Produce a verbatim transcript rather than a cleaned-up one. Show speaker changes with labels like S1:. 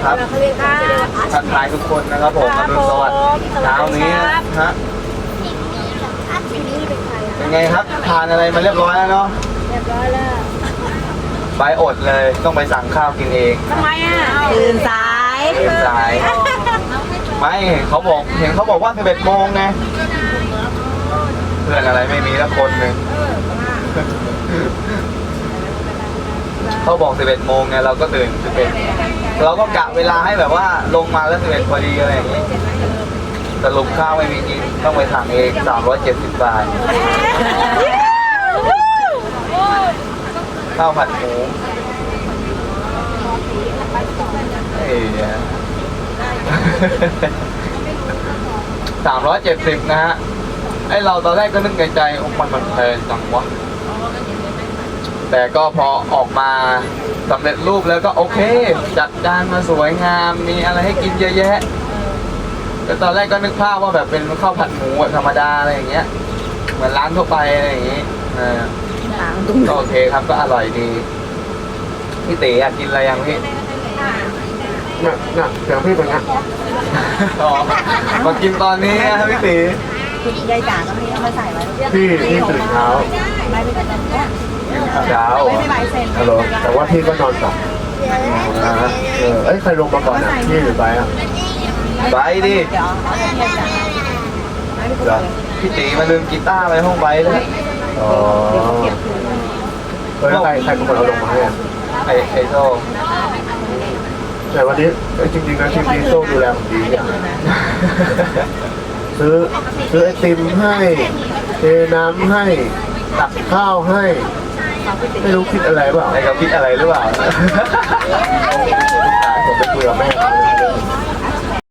S1: ครับทักทายทุกคนนะครับผมอรุณสวัสดิ์เช้านี้ฮะเป็นไงครับทานอะไรมาเรียบร้อยแล้วเนาะเรียบร้อยแล้วไปอดเลยต้องไปสั่งข้าวกินเอง
S2: ทำไมอ่ะตื่นสาย
S1: ตื่นสายไม่เขาบอกเห็นเขาบอกว่าสิบเอ็ดโมงไงเพื่อนอะไรไม่มีแล้วคนหนึ่งเขาบอกสิบเอ็ดโมงไงเราก็ตื่นสิบเอ็ดเราก็กะเวลาให้แบบว่าลงมาแล้วสิบเอ็ดพอดีอะไรอย่างงี้สรุปข้าวไม่มีกินต้องไปสั่งเองสามร้อยเจ็ดสิบบาทข้าวผัดหมูเอ้ยสามร้อยเจ็ดสิบนะฮะไอเราตอนแรกก็นึกในใจโอ้มันมันแพงจังวะแต่ก็พอออกมาสำเร็จรูปแล้วก็โอเคจัดจานมาสวยงามมีอะไรให้กินเยอะแยะแต่ตอนแรกก็นึกภาพว่าแบบเป็นข้าวผัดหมูธรรมดาอะไรอย่างเงี้ยเหมือนร้านทั่วไปอะไรอย่างงี้เออก็โอเคครับก็อร่อยดีพี่ตีอยากกินอะไรยังพี่น่ะน่ะเดี๋ยวพี่เป็นไงอ๋อมากินตอนนี้ครับพี่ตี
S2: คุณยายจ๋าก็มีเอามาใส่ไว้
S3: พี่พี่ตื่นเช้า
S2: ไม่เป็นไรเนี่ย
S1: เช้า
S2: ไม่ไม่ใบเซ็น
S3: ฮัลโหลแต่ว่าพี่ก็นอนต่อนะฮะเออเอ้ยใครลงมาก่อนอ่ะพี่หรือไปอ่ะ
S1: ไปดิ
S2: เดี๋ยวเอาเทียบจ้ะ
S1: เหรอพี่ตีมาลืมกีตาร์ไปห้องไปเลย
S3: อ๋อเออแล้วใครใครเป็นคนเอาลงมาให้อ่ะ
S1: ไอไอโซ่
S3: แต่วันนี้เอ้ยจริงๆนะทีมนี้โซ่ดูแลผมดีอย่างซื้อซื้อไอติมให้เทน้ำให้ตักข้าวให้ไม่รู้คิดอะไรเปล่า
S1: ไอเขาคิดอะไรหรือเปล่าผมไป